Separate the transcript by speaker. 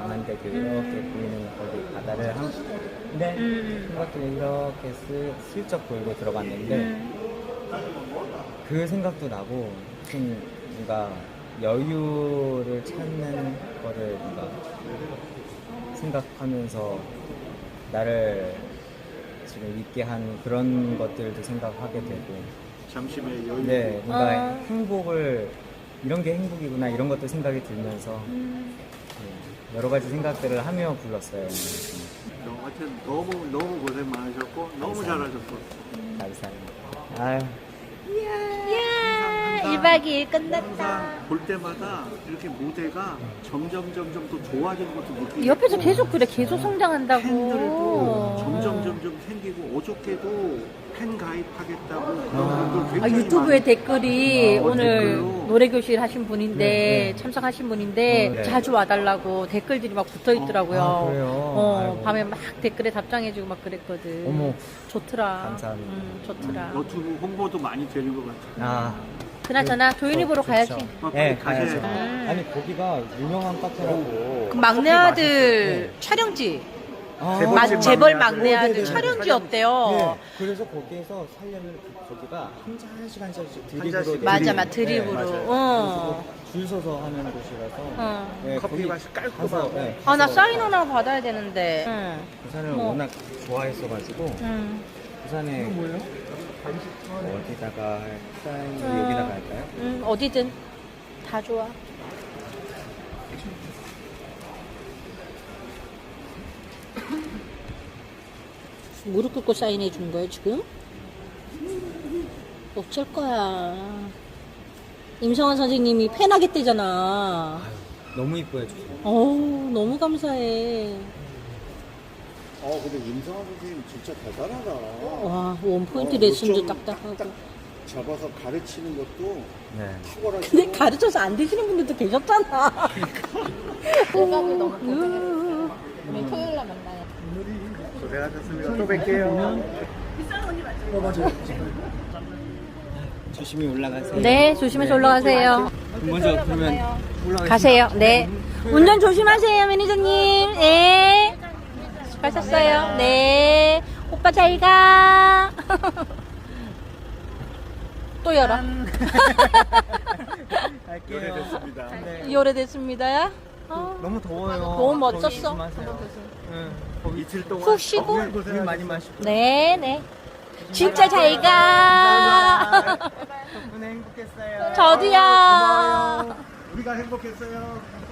Speaker 1: 남한대교 이렇게 보이는 거기 바다를 근데 생각길에 이렇게 슬쩍 돌고 들어갔는데 그 생각도 나고 좀 뭔가 여유를 찾는 거를 뭔가 생각하면서 나를 지금 있게 한 그런 것들도 생각하게 되고
Speaker 2: 잠시의 여유.
Speaker 1: 네, 뭔가 행복을 이런 게 행복이구나 이런 것도 생각이 들면서 네, 여러 가지 생각들을 하며 불렀어요.
Speaker 2: 하여튼 너무 고생 많으셨고 너무 잘하셨어.
Speaker 1: 감사합니다. 아유.
Speaker 3: 이야, 1박 2일 끝났다.
Speaker 2: 항상 볼 때마다 이렇게 무대가 점점 또 좋아지는 것도 느끼고
Speaker 3: 옆에서 계속 그래, 계속 성장한다고.
Speaker 2: 팬들도 점점 생기고 어저께도 팬 가입하겠다고 그런 분들
Speaker 3: 아,
Speaker 2: 굉장히
Speaker 3: 유튜브에
Speaker 2: 많이-
Speaker 3: 댓글이 오늘
Speaker 2: 댓글로.
Speaker 3: 노래교실 하신 분인데 참석하신 분인데
Speaker 1: 네.
Speaker 3: 자주 와달라고 댓글들이 막 붙어 있더라고요.
Speaker 1: 아, 그래요? 아이고.
Speaker 3: 밤에 막 댓글에 답장해주고 막 그랬거든.
Speaker 1: 어머.
Speaker 3: 좋더라.
Speaker 1: 감사합니다.
Speaker 3: 좋더라.
Speaker 2: 너튜브 홍보도 많이 되는 것 같아요.
Speaker 1: 아.
Speaker 3: 그나저나 조윤희 보러
Speaker 1: 좋죠.
Speaker 3: 가야지.
Speaker 1: 네,
Speaker 2: 가셔야죠.
Speaker 1: 가야죠. 아니 거기가 유명한 카페라고.
Speaker 3: 그 막내 아들 촬영지.
Speaker 1: 아,
Speaker 3: 재벌 막내
Speaker 1: 네,
Speaker 3: 아들
Speaker 1: 네, 네.
Speaker 3: 촬영지였대요.
Speaker 1: 네, 그래서 거기에서 살려면 거기가 한 시간씩 드립으로
Speaker 3: 맞아,
Speaker 1: 드립.
Speaker 3: 맞아. 드립으로.
Speaker 1: 네,
Speaker 3: 어.
Speaker 1: 줄 서서 하는 곳이라서 네,
Speaker 2: 커피
Speaker 1: 거기
Speaker 2: 맛이 깔끔하고.
Speaker 1: 가서, 네,
Speaker 3: 아, 나
Speaker 1: 가서
Speaker 3: 사인 하나 받아야 되는데. 응.
Speaker 1: 부산을
Speaker 3: 뭐.
Speaker 1: 워낙 좋아했어가지고
Speaker 3: 응.
Speaker 1: 부산에 어디다가 사인 여기다가 할까요?
Speaker 3: 어디든 다 좋아. 무릎 꿇고 사인해 주는 거예요, 지금? 어쩔 거야. 임성환 선생님이 팬하겠대잖아.
Speaker 1: 너무 이뻐해 주세요.
Speaker 3: 어우, 너무 감사해.
Speaker 2: 근데 임성환 선생님 진짜 대단하다.
Speaker 3: 와, 원포인트 레슨도 딱딱하고.
Speaker 2: 잡아서 가르치는 것도
Speaker 1: 네.
Speaker 2: 탁월하시고.
Speaker 3: 근데 가르쳐서 안 되시는 분들도 계셨잖아.
Speaker 4: 대박을 너무 고생했어요. 우리 토요일 날 만나요.
Speaker 2: 고생하셨습니다. 또 뵐게요.
Speaker 1: 조심히 올라가세요.
Speaker 3: 네, 조심해서 올라가세요.
Speaker 1: 먼저 그러면 올라가시죠.
Speaker 3: 가세요. 네. 운전 조심하세요, 매니저님. 네. 수고하셨어요. 네. 오빠 잘 가. 또 열어.
Speaker 1: 갈게요.
Speaker 2: 오래됐습니다.
Speaker 1: 네.
Speaker 3: 오래됐습니다.
Speaker 1: 너무 더워요.
Speaker 3: 너무 멋졌어.
Speaker 1: 거기 조심하세요. 응. 거기
Speaker 2: 이틀 동안
Speaker 3: 푹 쉬고.
Speaker 1: 물 많이 마시고.
Speaker 3: 네, 네. 진짜 잘 가.
Speaker 1: 덕분에 행복했어요.
Speaker 3: 저도요.
Speaker 2: 우리가 행복했어요.